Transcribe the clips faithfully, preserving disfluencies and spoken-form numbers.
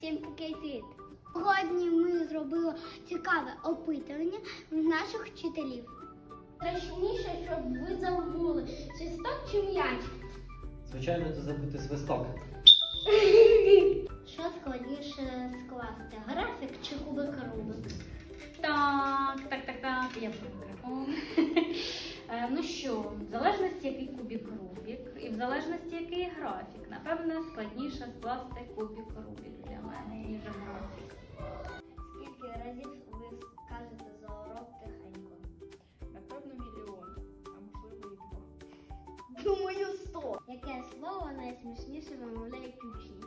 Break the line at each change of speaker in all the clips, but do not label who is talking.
Всім привіт! Сьогодні ми зробили цікаве опитування в наших вчителів. Страшніше, щоб ви забули, свисток чи м'яч?
Звичайно, це забути свисток.
Що складніше скласти? Графік чи кубик Рубик?
Так, так, так, так, я про Ну що, в залежності, який кубик Рубік, і в залежності, який графік, напевно, складніше скласти кубик Рубік для мене, ніж графік.
Скільки разів ви скажете за урок тихенько?
Напевно, мільйон, а можливо і два.
Думаю, сто. Яке слово найсмішніше вимовляють учні?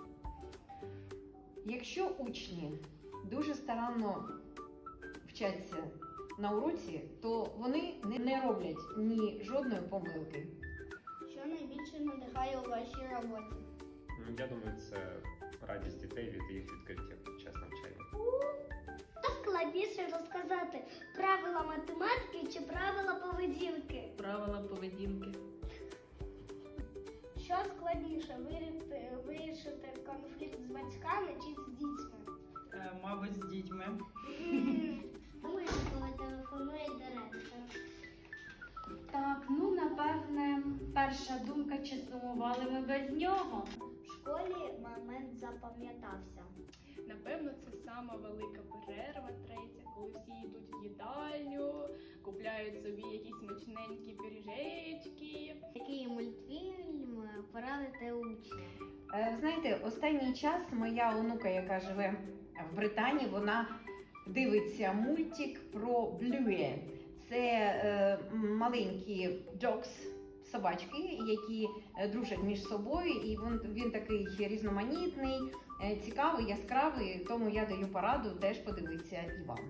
Якщо учні дуже старанно вчаться на уроці, то вони не роблять ні жодної помилки.
Що найбільше надихає у вашій роботі?
Ну, я думаю, це радість дітей від їх відкриття під час навчання.
Що складніше розказати? Правила математики чи правила поведінки?
Правила поведінки.
Що складніше вирішити, вирішити конфлікт з батьками чи з дітьми?
Е, мабуть, з дітьми.
Думаю, коли телефонує директор.
Так, ну, напевне, перша думка, чи сумували ми без нього.
В школі момент запам'ятався.
Напевно, це сама велика перерва, третя, коли всі йдуть в їдальню, купляють собі якісь смачненькі пиріжечки.
Який мультфільм порадите учням?
Е, Знаєте, останній час моя онука, яка живе в Британії, вона дивиться мультик про Блює. Це е, маленькі dogs, собачки, які е, дружать між собою, і він, він такий різноманітний, е, цікавий, яскравий, тому я даю пораду теж подивитися і вам.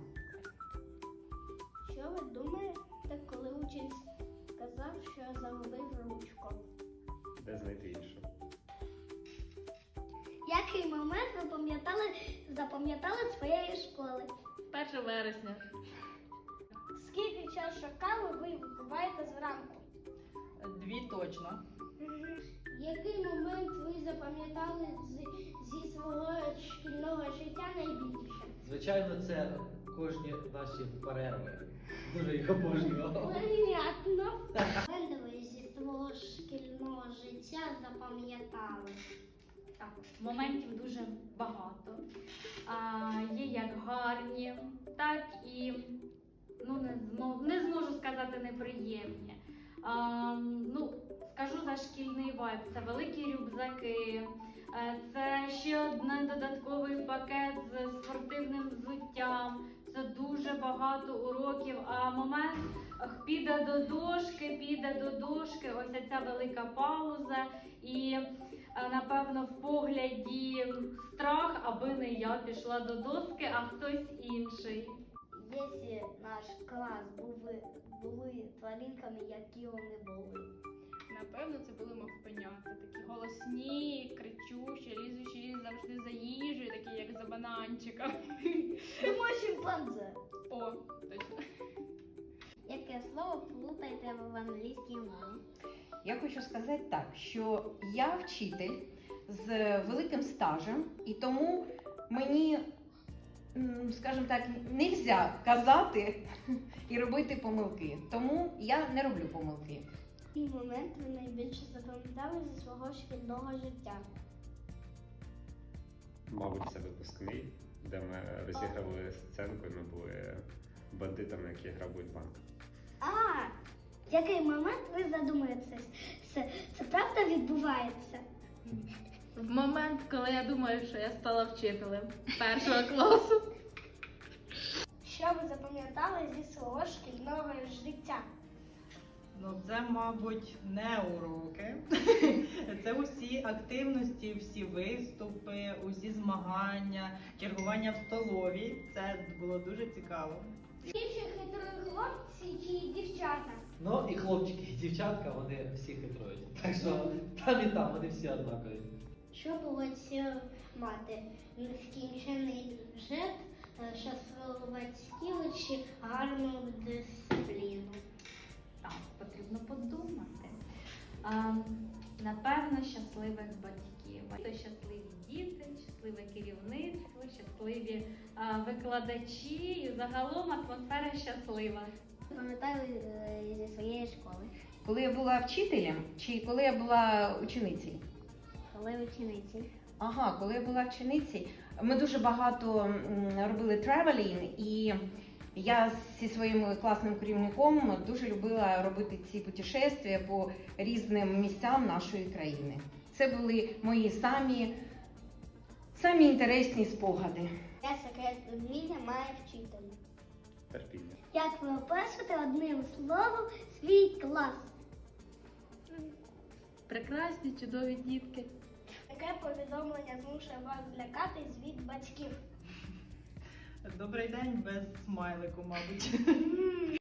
Що ви думаєте, коли учень сказав, що загубив ручку?
Де знайти іншу?
Який момент ви пам'ятали, запам'ятали своєї школи?
перше вересня.
Скільки чашок кави ви випиваєте зранку?
Дві точно.
Який момент ви запам'ятали з, зі свого шкільного життя найбільше?
Звичайно, це кожні наші перерви. Дуже їх обожнював.
Понятно. Моменти ви зі свого шкільного життя запам'ятали?
Так, моментів дуже багато. А, є як гарні, так і, ну, не, змо, не зможу сказати неприємні. А, ну, скажу за шкільний вайб. Це великі рюкзаки, е, це ще один додатковий пакет з спортивним взуттям. Це дуже багато уроків, а момент ах, піде до дошки, піде до дошки, ось ця велика пауза і, напевно, в погляді страх, аби не я пішла до доски, а хтось інший.
Якщо наш клас були, були тваринками, які вони були?
Напевно, це були мавпенята, такі голосні, кричущі, лізучі завжди за їжею, такі як за бананчиком.
Тому шимпанзе.
О, точно.
Яке слово плутаєте в англійській мові?
Я хочу сказати так, що я вчитель з великим стажем, і тому мені, м, скажімо так, не можна казати і робити помилки. Тому я не роблю помилки.
Який момент ви найбільше запам'ятали зі свого шкільного життя?
Мабуть, це випускний, де ми розіграли сценку, і ми були бандитами, які грабують банк.
А, який момент ви задумаєтесь? Це, це правда відбувається?
В момент, коли я думаю, що я стала вчителем першого класу.
Що ви запам'ятали зі свого шкільного життя?
Ну, це, мабуть, не уроки. Це усі активності, всі виступи, усі змагання, чергування в столовій. Це було дуже цікаво.
Більше хитрі хлопці чи дівчата?
Ну і хлопчики, і дівчатка, вони всі хитрують. Так що там і там вони всі однакові.
Що було мати? Нескінчений бюджет, щасливих батьків чи гарну дисципліну?
Так, потрібно подумати. А, напевно, щасливих батьків. щаслива. То щасливі діти, щасливе керівництво, щасливі а, викладачі і загалом атмосфера щаслива.
Пам'ятаю е, зі своєї школи,
Коли я була вчителем чи коли я була ученицею?
коли учениці.
Ага, коли я була вченицею, ми дуже багато м, робили тревелінг, і я зі своїм класним керівником дуже любила робити ці путешествия по різним місцям нашої країни. Це були мої самі, самі інтересні спогади.
Я секрет вміння має вчитель.
Терпіння.
Як ви опишете одним словом свій клас?
Прекрасні, чудові дітки.
Яке повідомлення змушує вас злякатись від батьків?
Добрий день без смайлику, мабуть.